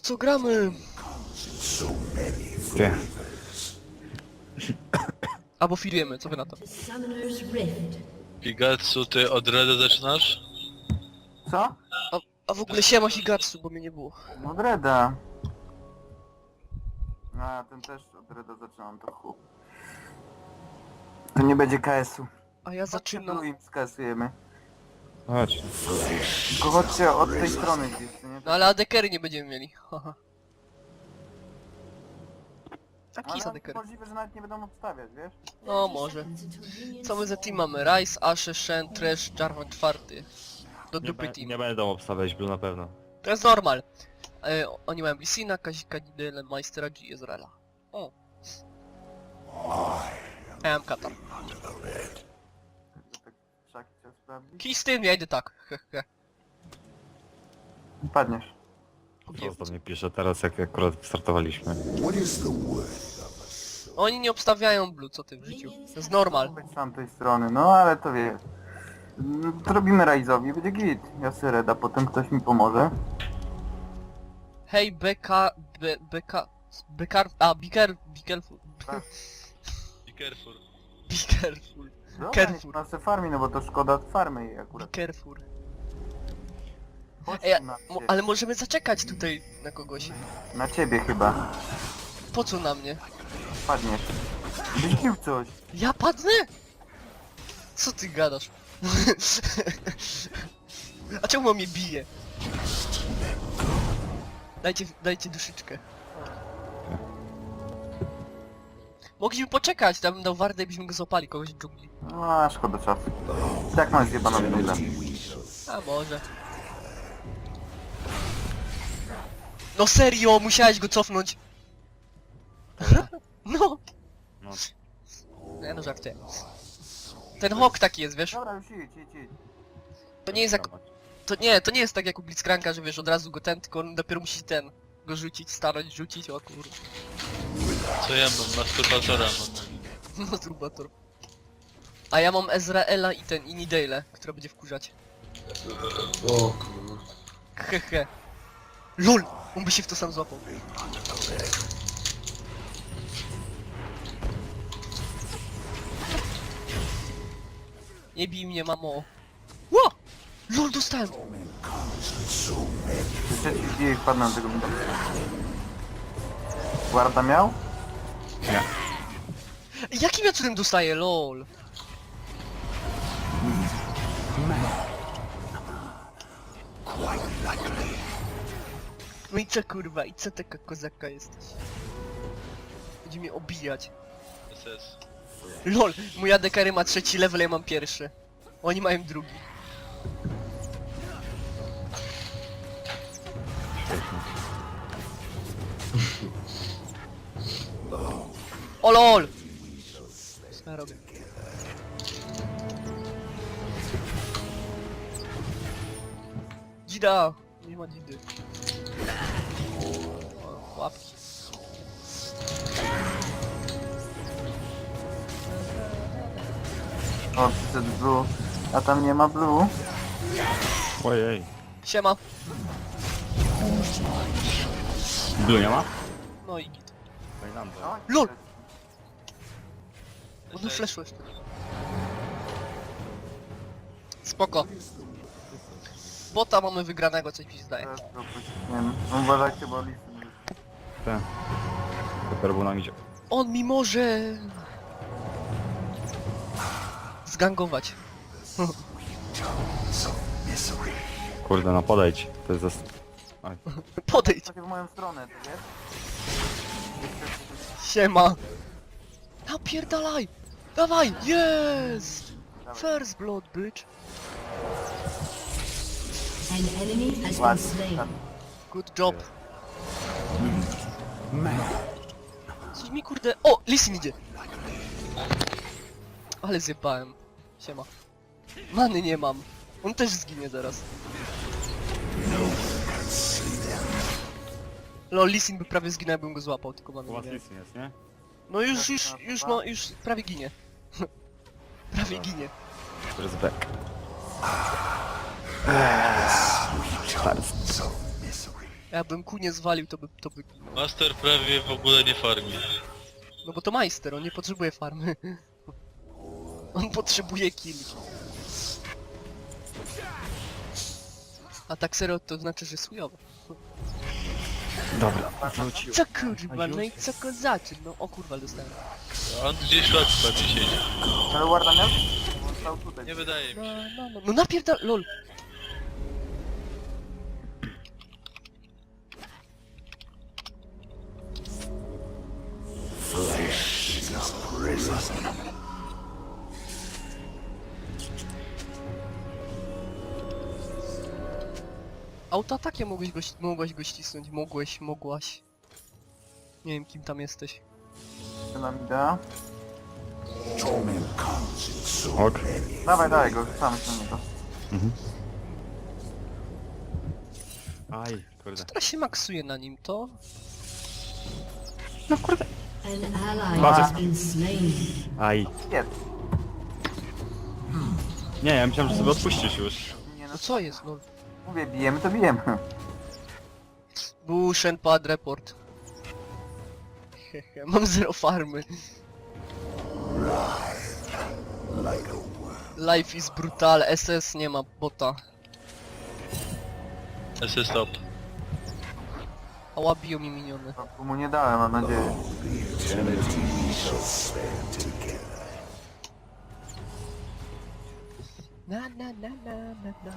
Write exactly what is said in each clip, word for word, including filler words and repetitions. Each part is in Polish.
co gramy? Gdzie? Albo firujemy, co wy na to? Summoner's Rift. Pigatsu, ty od Reda zaczynasz? Co? A, a w ogóle siema Higatsu, bo mnie nie było. No od Reda. A, ten też od Reda zaczynam to chup. To nie będzie K S-u. A ja Zaczynam. zaczynam... im skasujemy. Chodź. Tylko chodźcie od tej strony gdzieś, nie? No ale adekery nie będziemy mieli. Haha. Taki jest Ale adekery. możliwe, że nawet nie będą obstawiać, wiesz? No może. Co my za team mamy? Rice, Ashe, Shen, Trash, Jarvan czwarty. Do Nie, dupy be, team. nie będą obstawiać Blue na pewno. To jest normal. E, oni mają Lissina, Kazika, Nidale, Majstera, G, Ezreala. O. Ja mam Katar. Tak szaki chciał sprawdzić. Kij z tym, ja idę tak. Hehe. Padniesz. Co do mnie pisze teraz, jak akurat startowaliśmy. Oni nie obstawiają blue, co ty w życiu. To jest normal. Być z tamtej strony, no ale to wiesz. Mm, To robimy Raizowi, będzie git. Ja sobie Reda, potem ktoś mi pomoże. Hej, beka... Be, beka... Bekar... A, be, care, be careful. Tak. Be careful. Be careful. Dobra, Carrefour. niech ona se farmi, no bo to szkoda farmy jej Be akurat. careful. Chodź Ej, tu na, mo, ciebie. ale możemy zaczekać tutaj na kogoś. na ciebie chyba. Po co na mnie? Padniesz. Byś pił coś. Ja padnę? Co ty gadasz? A czemu on mnie bije? Dajcie, dajcie duszyczkę. Mogliśmy poczekać, tam bym dał wardę i byśmy go złapali, kogoś w dżungli. No, a szkoda czasu. Tak mam zjebaną minutę. A może. No serio, musiałeś go cofnąć. No. No. Nie no, żartuję. Ten hawk taki jest, wiesz? Dobra, już idź, idź, idź. To nie jest jak... To nie, to nie jest tak jak u Blitzcranka, że wiesz, od razu go ten, tylko on dopiero musi ten... Go rzucić, starać, rzucić, o kurde. Co ja mam? Masturbatora mam. Masturbator. A ja mam Ezreela i ten, i Nidale, która będzie wkurzać. O kurwa. Hehe. LOL! On by się w to sam złapał. Nie bij mnie, mamo. Ło! LOL, dostałem! Jeszcze ci wbiję i wpadnę na tego minutę. Guarda miał? Nie. Jakim ja cudem dostaję, LOL? No i co kurwa, i co taka kozaka jesteś? Będzie mnie obijać. S S. LOL, mój adekary ma trzeci level, ja mam pierwszy. Oni mają drugi. O LOL! Co ja robię? Dzida! Nie ma dzidy. O, łapki. O, przyszedł blue. A tam nie ma blue. Ojej. Siema. Blue nie ma? No i git. Fajlanda. No, LOL! No fleszłeś. Spoko. Bota mamy wygranego, coś mi się zdaje. Teraz go puściłem. No, uważajcie, bo listy nie wyszły. Ten. Dopiero był nam idzie. On mi może... zgangować. Kurde, no podejdź. To jest zas... Oj. Podejdź. Chodźcie w moją stronę, ty wiesz? Siema. Napierdalaj. Dawaj, jest! First blood, bitch. An enemy has been Ładnie. slain. tak. Good job. Coś mi kurde... O! Lisin idzie! Ale zjebałem. Siema. Many nie mam. On też zginie zaraz. Lol, Lisin by prawie zginął, jakbym go złapał, tylko U many was nie miałem. nic nie jest, nie? No już, już, już ma, już prawie ginie. Prawie ginie. To jest back. Stary. Jakbym ku nie zwalił, to by... to by... Master prawie w ogóle nie farmi. No bo to majster, on nie potrzebuje farmy. On potrzebuje killi. A tak serio to znaczy, że chujowo. Dobra, wrócił. Co kurwa, no i co kozaczy? No o kurwa dostałem. A on gdzieś lat pewnie siedzi. Ale Warda miał? On stał tutaj. Nie wydaje mi No, się. no, no, no napierdal... lol. Autoatakiem mogłeś go, ści- mogłaś go ścisnąć, mogłeś, mogłaś. Nie wiem kim tam jesteś. Dynamida. Ok. Dawaj, dawaj go, rzucamy się na niego. Aj, kurde. Teraz się maksuje na nim, to... No kurde. An ally Bardzo- has been slain. Aj. Jest. Nie, ja myślałem, że sobie odpuścisz już. Nie no, No co jest, lol? mówię, bijemy to bijemy. Bushen pad report. Hehe, mam zero farmy. Life is brutal, S S nie ma bota. S S stop. Ała biją mi miniony. To mu nie dałem, mam nadzieję. Na na na na na na.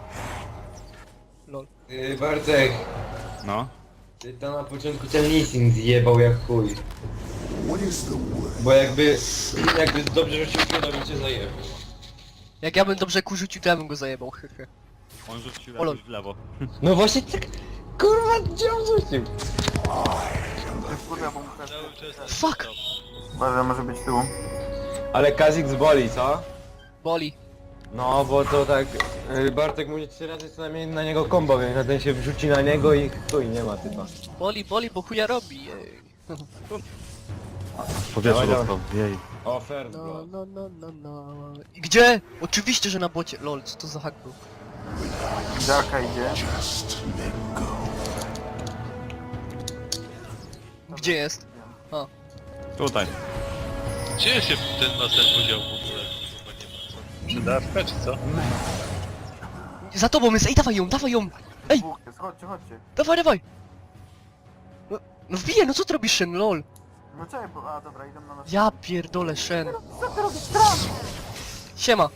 Lol. Yy, Bartek, No. ty tam na początku ten leasing zjebał jak chuj. Bo jakby, jakby dobrze rzucił piłę, to bym cię zajebał. Jak ja bym dobrze kurzucił, to ja bym go zajebał, hehe. On rzucił Olo. jakoś w lewo. No właśnie tak, kurwa, gdzie on rzucił? Kurde, bo mu też... Cały czas S S Fuck. stop. Uważaj, może być tyłu. Ale Kazik boli, co? Boli. No, bo to tak, yy, Bartek mówi trzy razy co najmniej na niego combo, więc na ten się wrzuci na niego i chuj, nie ma typa. Boli, boli, bo chuja robi, jej. Powietrze Dawaj, dostał. Jej. O, fair No, blood. no, no, no, no. I gdzie? Oczywiście, że na bocie. Lol, co to za hack był? Darka idzie. Gdzie jest? A. Tutaj. Gdzie się ten master podział w ogóle? Chyba nie ma co. Przydawka czy co? Za tobą jest, ej, dawaj ją, dawaj ją! Ej! Dwóch jest, chodźcie, chodźcie. Dawaj, dawaj! No, no wbiję, no co ty robisz, Shen, lol? No czekaj, bo... A, dobra, idą na nas. Ja pierdolę, Shen. Siema.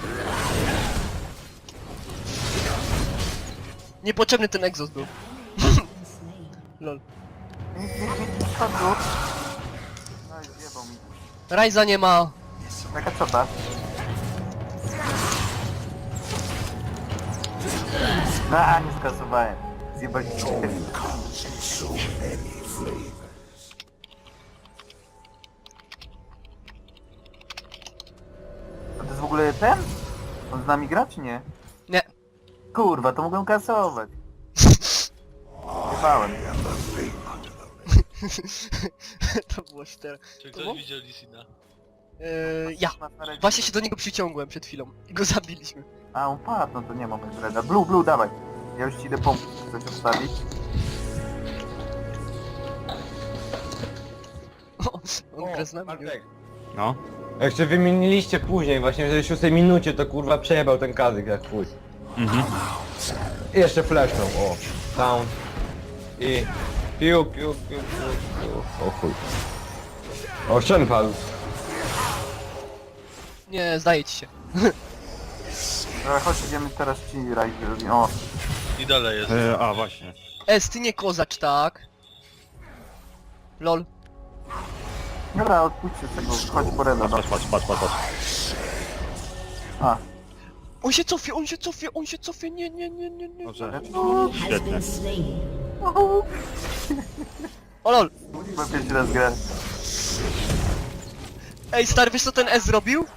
Niepotrzebny ten egzos był. Lol. Nic, nic, nic, chodź. No i zjebał mi. Rajza nie ma. Taka czota. A, nie skasowałem. Zjebali się. A to jest w ogóle ten? On z nami gra czy nie? Nie. Kurwa, to mogłem kasować. Zjebałem. To było szczere. Czy To było? ktoś widział Lisina? Yy, ja. Właśnie się do niego przyciągłem przed chwilą i go zabiliśmy. A, on padł, no to nie ma Reda. Blue, blue, dawaj. Ja już ci idę pomóc coś obstawić. O, on gra z nami. nie? Bartek. No. Jeszcze wymieniliście później, właśnie w szóstej minucie to kurwa przejebał ten Kazik jak chuj. Mhm. I jeszcze flashnął, o. Sound. I... Piu, piu, piu, piu, piu. O chuj. O, Shen padł. Nie, zdaje ci się. Dobra, chodź, idziemy teraz ci rajdy. O, I dalej jest. E, a, właśnie. Es, ty nie kozacz, tak? Lol. dobra, odpuśćcie tego, chodź po Reda. Patrz, patrz, patrz, patrz, patrz. A, On się cofie, on się cofie, on się cofie, nie, nie, nie, nie, nie. Dobrze. Has Świetnie. been slain. O lol. chyba pierwszy raz grę. Ej, stary, wiesz co ten S zrobił?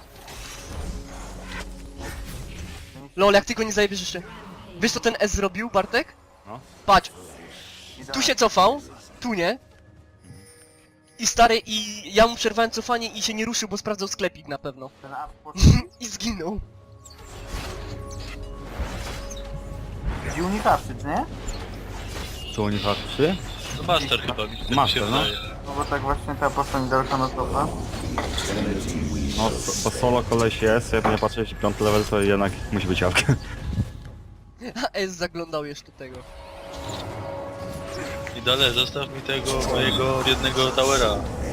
Lol, jak ty go nie zajebiesz jeszcze. Wiesz co ten S zrobił, Bartek? No. Patrz, Idę. tu się cofał, tu nie. I stary, i ja mu przerwałem cofanie i się nie ruszył, bo sprawdzał sklepik na pewno. Ten up poszedł. I zginął. Gdzie unikawczyć, nie? tu oni walczy? No Master chyba mi tak mi Master, się no. wydaje. No bo tak właśnie ta postać dalsza na topa. No, so- bo solo koleś jest, jak nie patrzę, jeśli piąty level, to jednak musi być jawka. A S zaglądał jeszcze tego. I dalej, zostaw mi tego mojego jednego towera.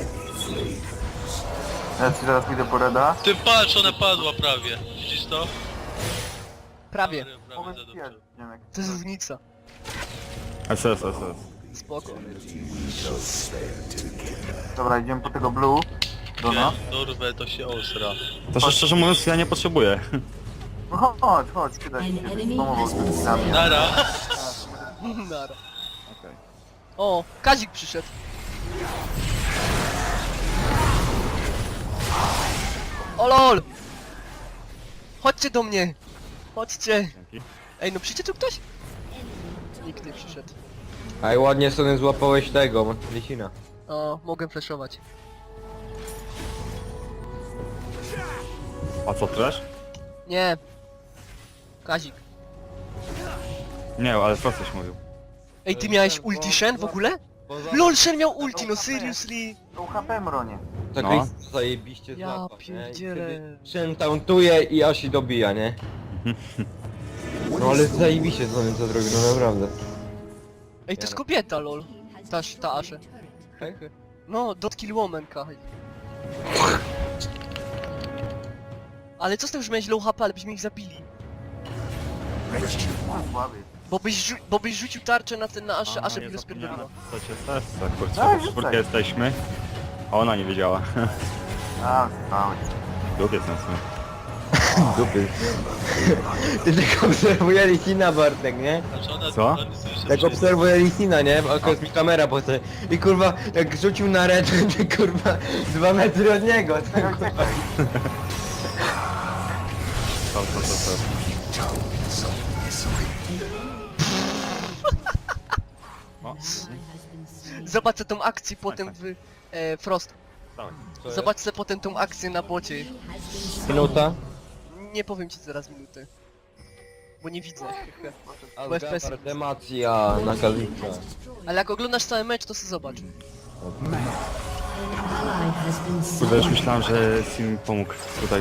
Ja ci zaraz pójdę po Reda. Ty patrz, ona padła prawie. Widzisz to? Prawie. Prawie, prawie Mogę za ci dobrze. Dziemek. To jest różnica. S S, S S. Spoko. Dobra, idziemy po tego blue. Dona. Jak dorwę, to się osra. To że szczerze mówiąc, ja nie potrzebuję. No chodź, chodź, kidać An się. enemy Spamował has z been tymi slain. Nara. Nara. Okej. O, Kazik przyszedł. O lol! Chodźcie do mnie! Chodźcie! Dzięki. Ej, no przyjdzie tu ktoś? Nikt nie przyszedł. Aj, ładnie sobie złapałeś tego, Lisina. O, mogę flashować. A co, trash? Nie. Kazik. Nie, ale co coś mówił. Ej, ty miałeś ulti Shen w ogóle? LOL, Shen miał ulti, no seriously! To H P mronie. Tak No. no. zajebiście Ja złapał, nie? I pierdzielę. wtedy Shen tauntuje i Asi dobija, nie? No ale zajebiście co on co zrobił, no naprawdę. Ej, to jest kobieta, lol. Ta, ta Ashe. Tak? No, dot kill woman, kaj. Ale co z tym, że miałeś low H P, ale byśmy ich zabili? Słaby. Bo byś, rzu bo byś rzucił tarczę na ten, na Ashe, Ashe by nie rozpierdoliła. zapomniałem napisać S S, tak, kurczę, Tak, w czwórkę rzucaj. jesteśmy. A ona nie wiedziała. A, stałeś. Lubię ten smak. Dupy. Ty tak obserwuje Lisina, Bartek, nie? Znaczy ona, Co? ona nie słyszy Tak wszystko. obserwuje Lisina, nie? Oko jest mi kamera po sobie. I kurwa, jak rzucił na red, to kurwa, dwa metry od niego. Czekaj, czekaj. Co, co, co, co. Zobacz tą akcję potem w... E, Frost. Dawaj. Zobacz sobie potem tą akcję na bocie. Minuta. Nie powiem ci zaraz minuty. Bo nie widzę. Bo F P S. Demacja na Kalista. Ale jak oglądasz cały mecz, to sobie zobacz. Ally has been Kurde, slain. już myślałem, że Sim mi pomógł tutaj.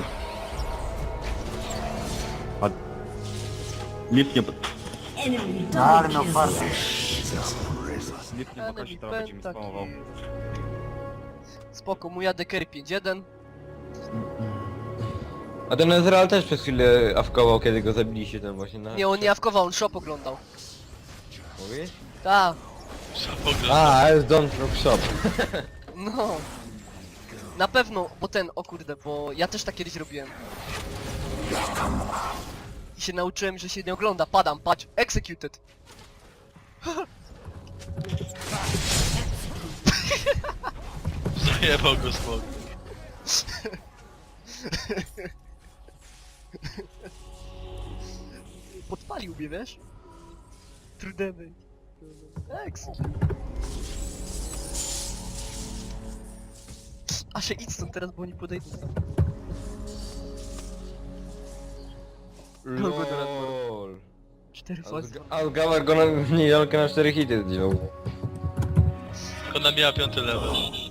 A... Lip nie... Enemy No ale double no kill. farta. Lip nie pokaże, teraz będzie mi Pentakill. spamował. Spoko, mój A D carry pięć jeden. A ten Ezreal też przez chwilę awkował, kiedy go zabiliście tam właśnie na... Nie, on nie awkował, on shop oglądał. Mówisz? Ta, Pogląd. A, jest Don't Drop Shop. no. Na pewno, bo ten, o kurde, bo ja też tak kiedyś robiłem. I się nauczyłem, że się nie ogląda. Padam, patrz, executed. Zajebał go smok. Podpalił mnie, wiesz? True damage. Ex. A się idź stąd teraz, bo oni podejdą. LOL. Cztery fazy. Algawar go na niedzielkę na cztery hity zdjął. Ona miała piąty level.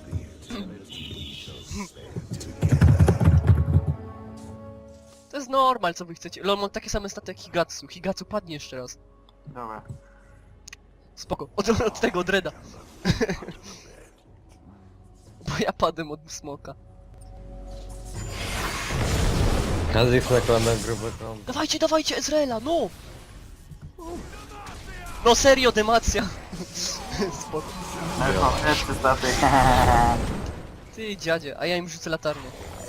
To jest normal, co wy chcecie. Lol, mam takie same staty jak Higatsu. Higatsu padnie jeszcze raz. Dobra. Spoko. Od, od tego, od Reda. Bo ja padłem od smoka. Kazik nakłada grube kom. Dawajcie, dawajcie, Ezreela, no! No serio, demacja. Spoko. No już mam jeszcze staty. Ty dziadzie, a ja im rzucę latarnię.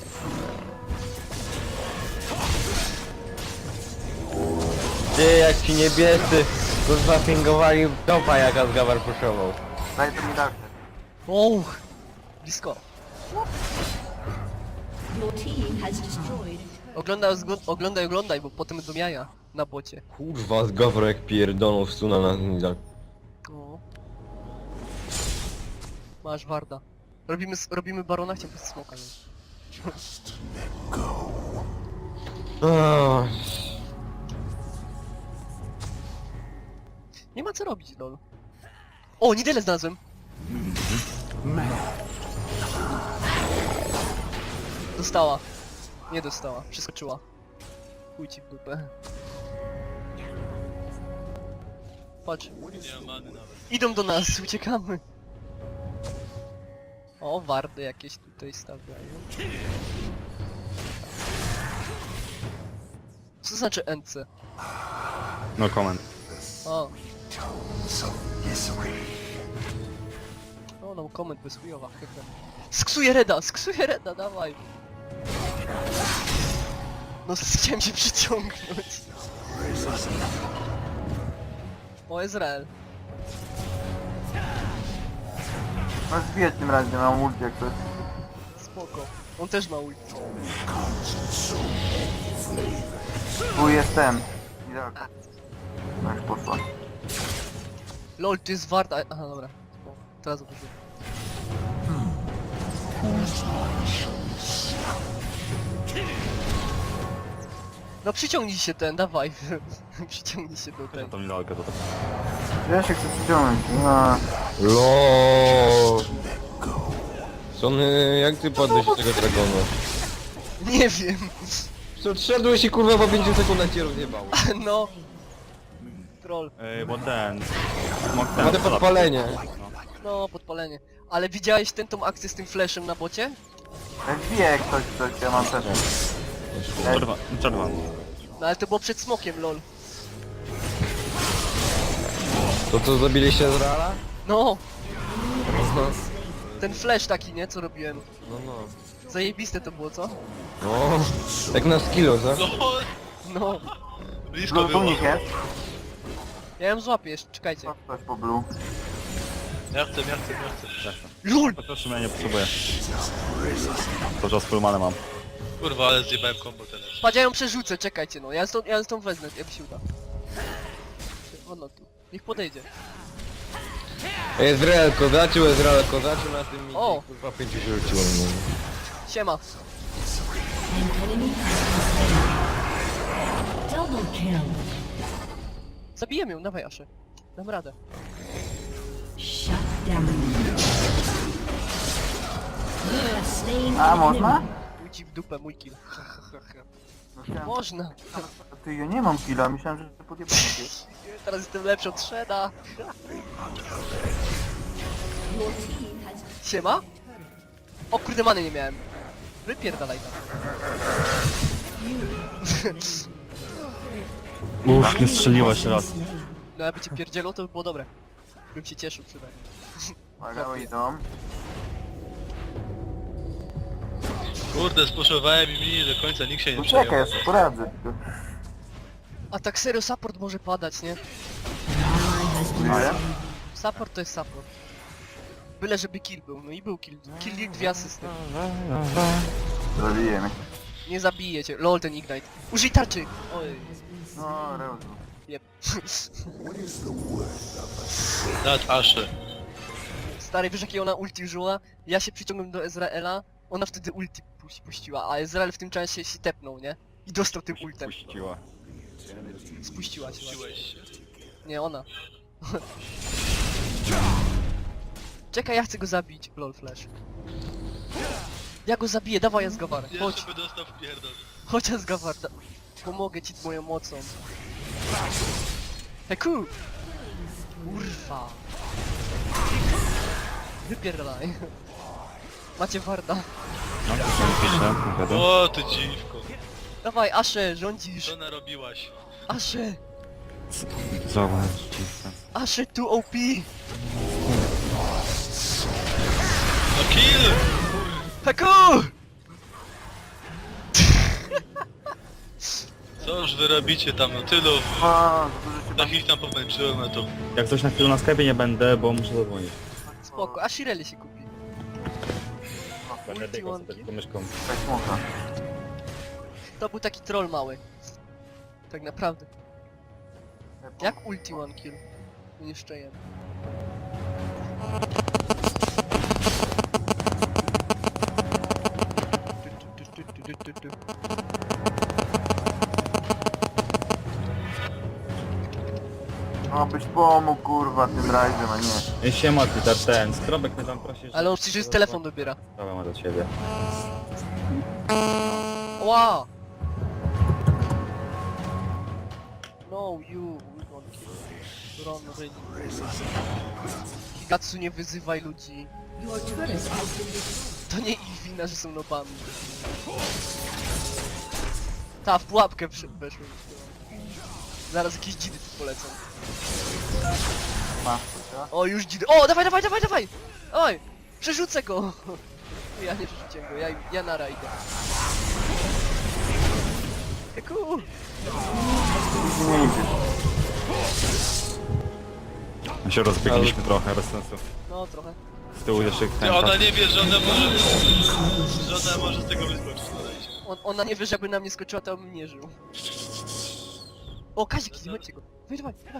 Ty, jak ci niebiescy, kurwa pingowali topa jak Asgawar puszował. Daj to mi dalsze. Och, blisko. Your team has destroyed. Oglądaj, zgo- oglądaj, oglądaj, bo potem do jaja na bocie. Kurwa, Asgawar jak pierdolą stuna na nidal. O. Masz warda. Robimy, s- robimy barona, chciałem bez smoka. Nie? Oh. Nie ma co robić, lol. O, Nidelę znalazłem! Dostała. Nie dostała, przeskoczyła. Chuj ci w dupę. Patrz, Nie ma many nawet. idą do nas, uciekamy. O, wardy jakieś tutaj stawiają. Co znaczy N C? No comment. O. O, no comment bez chujowa, chyba. Sksuję Reda, sksuję Reda, dawaj. No chciałem się przyciągnąć. O, Izrael. No zbijać tym razem, mam ulti jak coś. Spoko. On też ma ult. Tu jest ten. Idealnie. No już poszła. Lol, to jest warta. Aha, dobra. O, teraz zobaczymy. No przyciągnij się ten, dawaj. Przyciągnij się do Ja tego. to mi lalkę to tak. Ja się chcę przyciągnąć. No. LOL. Sony, jak ty padłeś z tego dragona? Nie wiem. Co, szedłeś i kurwa po pięciu sekundach cię rozjebało. No. Troll. Ej, bo ten... Smok ten... Ma te podpalenie. No, podpalenie. Ale widziałeś ten tą akcję z tym flashem na bocie? Zbije jak ktoś coś, ja mam też. Czerwa... Czerwa. No ale to było przed smokiem, lol. To co, zabiliście Ezreala? No, No, ten flash taki, nie? Co robiłem. no, no. Zajebiste to było, co? No, jak na skillu, co? LOL! No. Blisko Blue tu było. nich jest. Ja ją złapię jeszcze, czekajcie. No, ktoś po blue. Ja chcę, ja chcę, ja chcę. LOL! Po prostu mnie nie potrzebuję. To czas full manę mam. Kurwa, ale zjebałem combo teraz. Patrz, ja ją przerzucę, czekajcie no. Ja stąd, ja stąd wezmę, jak się uda. Ono tu. Niech podejdzie. Ezreal kozaczył, Ezreal kozaczył na tym i O! kurwa pięciu się rzuciło. No. Siema. An enemy has been slain. Double kill. Zabijemy ją, dawaj Aszę. Dam radę. Shut down. You have slain A an można? enemy. Pójdź ci w dupę, mój kill. No, chciałem- Można. Ty, ja nie mam killa, myślałem, że podjebałem cię. Teraz jestem lepszy od Shredda. Your team has Siema? O kurde, many nie miałem. Wypierdalaj tam. Uff, nie strzeliłaś raz. No jakby cię pierdzielą, to by było dobre. Bym się cieszył przynajmniej. Uwaga, idą. Kurde, spuszowałem i mi do końca nikt się nie No czekaj, ja przejął. sobie poradzę. A tak serio, support może padać, nie? Ale? Support to jest support. Byle żeby kill był, no i był kill. Kill, dwie asysty. Zabiję mnie. Nie zabije cię. Lol, ten ignite. Użyj tarczy! Oj, No, Reuzu. jeb. Nad Aszę. Stary, wiesz jakie ona ulti użyła? Ja się przyciągnąłem do Ezreela, ona wtedy ulti puś- puściła, a Ezreal w tym czasie się tepnął, nie? I dostał tym ultem. Puściła. Spuściła się. właśnie. Czułeś się. Nie, ona. Czekaj, ja chcę go zabić. Lol, flash. Ja go zabiję, dawaj Asgawar. Chodź, Jeszcze by dostał w pierdol. chodź Asgawar. Da pomogę ci moją mocą. Heku! Kurwa. Wypierdalaj. Macie warda. No, to się pisze, wiadomo. O, ty dziwko. Dawaj, Asze, rządzisz. Co narobiłaś? Asze, Zobacz, dziwne. Asze tu O P. No kill! Heku! Co już wy robicie tam, no tylu. O, dużo się Tak ich tam pomęczyłem, a to... Jak coś na chwilę na Skype nie będę, bo muszę zadzwonić. Spoko, a Shirley się kupi. Będę Ulti biegał łąki. sobie tylko myszką. tak smoka. To był taki troll mały. Tak naprawdę. Jak ulti one kill? Jeszcze jeden. Obyś pomógł kurwa tym rajdem, a nie. Ej, siema ty, ten, ten, Skrobek mnie tam prosi, że... Ale on przecież telefon dobiera. Sprawę ma do ciebie. Ła! No, you, we won't kill. Run, really. Higatsu, nie wyzywaj ludzi. Your turret has been destroyed. To nie ich wina, że są nobami. Ta, w pułapkę wsz- weszłem. Zaraz jakieś dzidy tu polecą. Masz to, co? O, już dzidy. O, dawaj, dawaj, dawaj, dawaj! Oj! Przerzucę go! Ja nie przerzuciłem go, ja, ja na rajdę. Eku! Nie idziesz. My się rozbiegliśmy trochę, bez sensu. No, trochę. Z tyłu jeszcze ten... Ty, ona nie wie, że ona może... że ona może z tego wyskoczyć, dodajcie. On, ona nie wie, żeby na mnie skoczyła, to bym nie żył. O, Kazik, chodźcie go. Wej, dawaj, dawaj.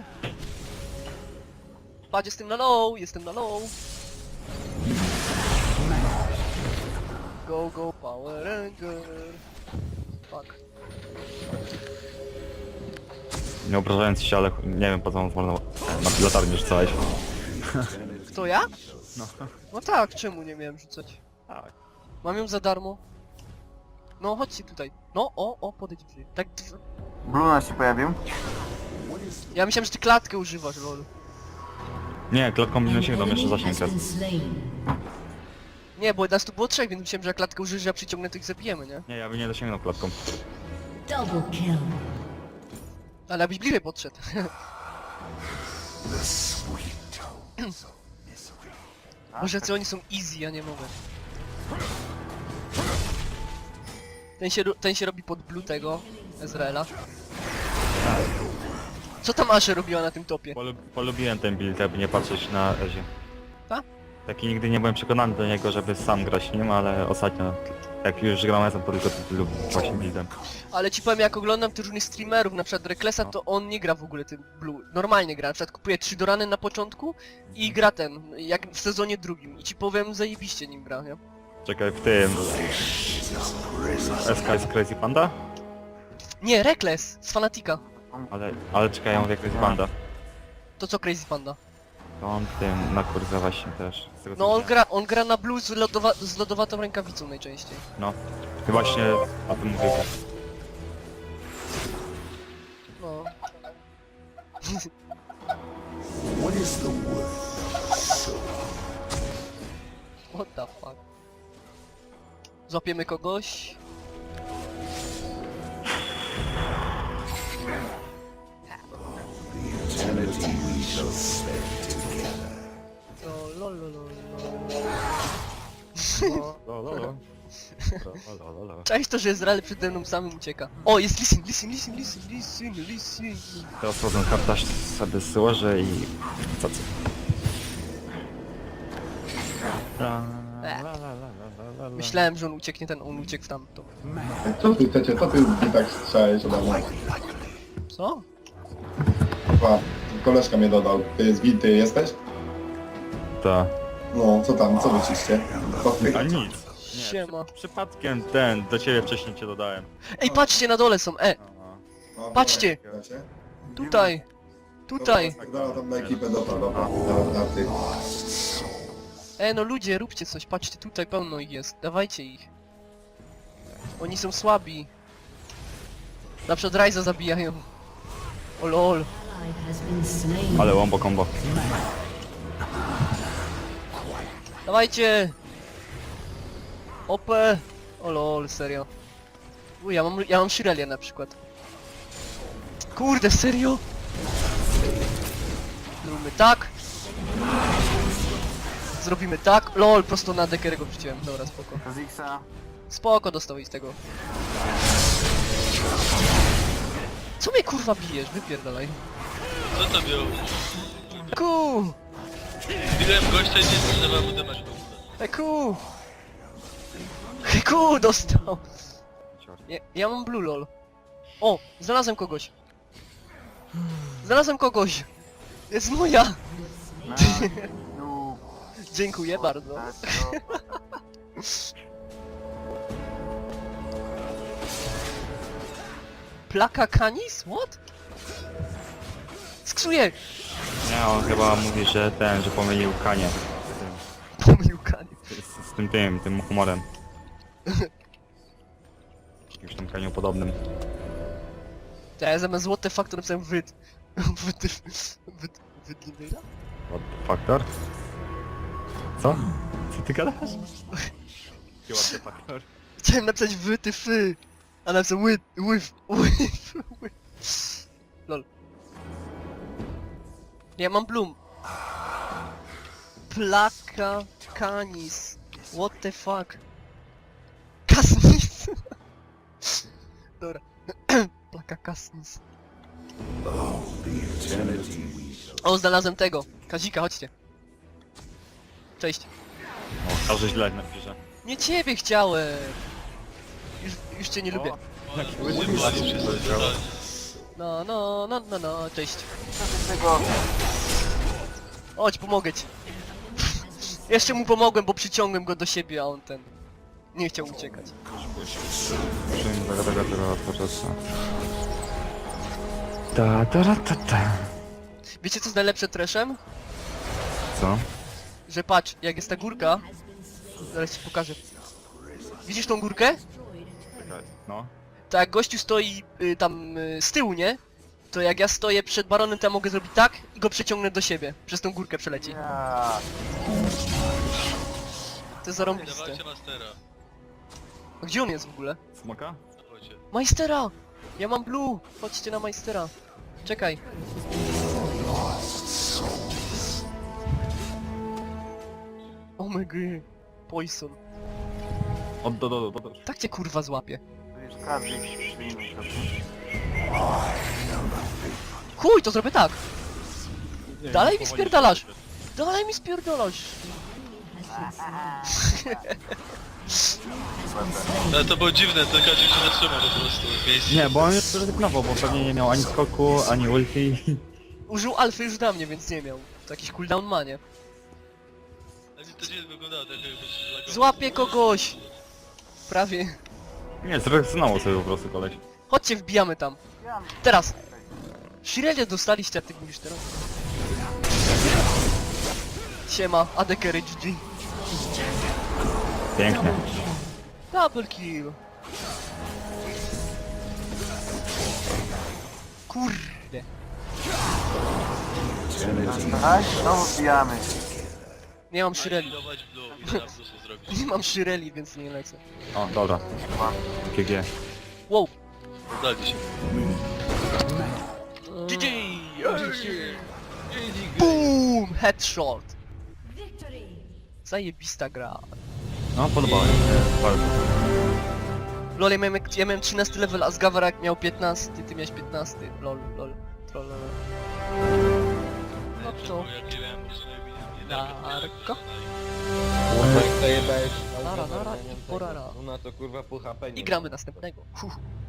Patrz, jestem na low, jestem na low. Go, go, Power Ranger. Fuck. Nie obrażając się, ale nie wiem po co on wolno na latarnię rzucałeś. Kto, ja? No. No tak, czemu nie miałem rzucać? Tak. Mam ją za darmo. No, chodźcie tutaj. No, o, o, podejdź bliżej. Tak, dw- Bluna się pojawił. ja myślałem, że ty klatkę używasz, lol. Nie, klatką An minę sięgną, jeszcze enemy zasięg has jest. been slain. Nie, bo nas tu było trzech, więc myślałem, że jak klatkę użyjesz, ja przyciągnę, to ich zabijemy, nie? Nie, ja bym nie dosięgnął klatką. Double kill. Ale abyś bliżej podszedł. Może co oni są easy, ja nie mogę. Ten się, ro- ten się robi pod blue tego, Ezreela. Co tam Ashe robiła na tym topie? Polu polubiłem ten build, aby nie patrzeć na Ezie. Ta? Taki nigdy nie byłem przekonany do niego, żeby sam grać nim, ale ostatnio, jak już gram razem, to tylko lubię właśnie buildem. Ale ci powiem, jak oglądam tych różnych streamerów, na przykład Reklesa, to on nie gra w ogóle tym blue. Normalnie gra, na przykład kupuje trzy dorany na początku i gra ten, jak w sezonie drugim. I ci powiem, zajebiście nim gra, nie? Czekaj, w tym... S K jest Crazy Panda? Nie, Rekles, z Fanatika. Ale, ale czekaj, ja mówię Crazy Panda. To co Crazy Panda? To on tym na kurwa właśnie też. Z tego, co No on widziałem. gra, on gra na blue z, lodowa z lodowatą rękawicą najczęściej. No. I właśnie o tym mówię. No. What the fuck? Złapiemy kogoś? O, lol, lol, lol, lol. Lo, lo, lo. Lo, lo, lo, lo. Cześć to, że Izrael przede mną samym ucieka. O, jest Lisin, Lisin, Lisin, Lisin, Lisin, Lisin. Teraz potem kartaż sobie złożę i... co co? La, la, la, la, la, la, la. Myślałem, że on ucieknie ten, on uciekł w tamto. Co ty chcecie, co ty mi tak strzałeś ode mnie? Co? Chyba koleżka mnie dodał. Ty z Wilty jesteś? Ta. No, co tam, co wyciście? A nic. Nie, Siema. przy, przypadkiem ten, do ciebie wcześniej cię dodałem. Ej, patrzcie, na dole są, e! Aha. No, Patrzcie! Wiecie? Tutaj! Tutaj! Dobra, tam na ekipę dobra, dobra, na, na tych. E, no ludzie, róbcie coś, patrzcie, tutaj pełno ich jest, dawajcie ich. Oni są słabi. Na przykład Ryza zabijają. O lol. Ally has been slain. Ale wombo combo. Dawajcie! O P! O lol, serio. Uj, ja mam, ja mam Shirelię na przykład. Kurde, serio? Zróbmy tak. Zrobimy tak. Lol, prosto na dekerego wrzuciłem. Dobra, spoko. Kazixa. Spoko, dostał i z tego. Co mnie kurwa bijesz? Wypierdalaj. Co to było? Ku! Widziałem gościa i nie trzeba mu dymać. Eku! Eku, dostał! Ja, ja mam blue lol. O, znalazłem kogoś. Znalazłem kogoś. Jest moja! Na... No, Dziękuję bardzo. tak, no. Plaka Canis? What? Sksuję! Nie, on chyba mówi, że ten, że pomylił Kanie. Pomylił kanie. Z, z tym tym, tym humorem. Jakimś tam Kaniu podobnym. Ja zamiast złote faktor napisałem wyd. Wyd... Wyd... Wydlinyra? What the factor? Co? Co ty gadasz? What the factor? Chciałem napisać wy, ty, fy. A napisałem łyt, łyf, łyf, łyf. Lol. Ja mam bloom. Plaka canis. What the fuck? Kasnis. Dobra. Plaka kasnis. O, znalazłem tego. Kazika, chodźcie. Cześć. O, każdy źle napisze. Nie ciebie chciałem. Już, już cię nie lubię. Używali wszyscy totalnie. No, no, no, no, no, cześć. Tego... Chodź, pomogę ci. Jeszcze mu pomogłem, bo przyciągłem go do siebie, a on ten... Nie chciał uciekać. Przyjmę tego, tego, tego odpoczęcia. Ta, ta, ta, ta, ta. Wiecie co jest najlepsze treszem? Co? Że patrz, jak jest ta górka... Zaraz ci pokażę. Widzisz tą górkę? Czekaj, no. To jak gościu stoi y, tam y, z tyłu, nie? To jak ja stoję przed baronem, to ja mogę zrobić tak i go przeciągnę do siebie. Przez tą górkę przeleci. Ja... To jest zarąbiste. Dawajcie mastera. A gdzie on jest w ogóle? Smoka? Dawajcie. Majstera! Ja mam blue! Chodźcie na Majstera. Czekaj. Oh my god. Poison. O, do, do, do, do. Tak cię kurwa złapie. Tu jest każdy stream. Chuj, to zrobię tak! Dalej mi spierdalasz! Dalej mi spierdalasz! Ale to było dziwne, ten Kazik się zatrzymał po prostu w miejscu. Nie, bo on już zrezygnował, bo pewnie nie miał ani skoku, ani ulti. Użył alfy już na mnie, więc nie miał. To jakiś cooldown ma, nie? Ale to dziwnie wyglądało, tak jakby się zlagował. Złapię kogoś! Prawie. Nie, zrezygnował sobie po prostu koleś. Chodźcie, wbijamy tam. Teraz! Shirelia dostaliście, a ty mówisz teraz. Siema, A D Carry G G. Pięknie. Double kill. Kurde. Tak? Znowu wbijamy. Nie mam Shireli. Dawać blue i zaraz co zrobić. Nie mam Shireli, więc nie lecę. O, dobra. G G. Wow. Podali się. G G! Boom! Headshot! Zajebista gra. No, podobało mi się bardzo. Lol, ja miałem, ja miałem trzynasty level, a Zgawarak miał piętnasty, ty miałeś piętnasty. Lol, lol, troll, lol. No to... Jak nie wiem, może nie wiem, nie Narko? Kurwa, jak zajebałeś... Nara, nara i porara. Ona to kurwa pół H P nie I gramy następnego. Huh.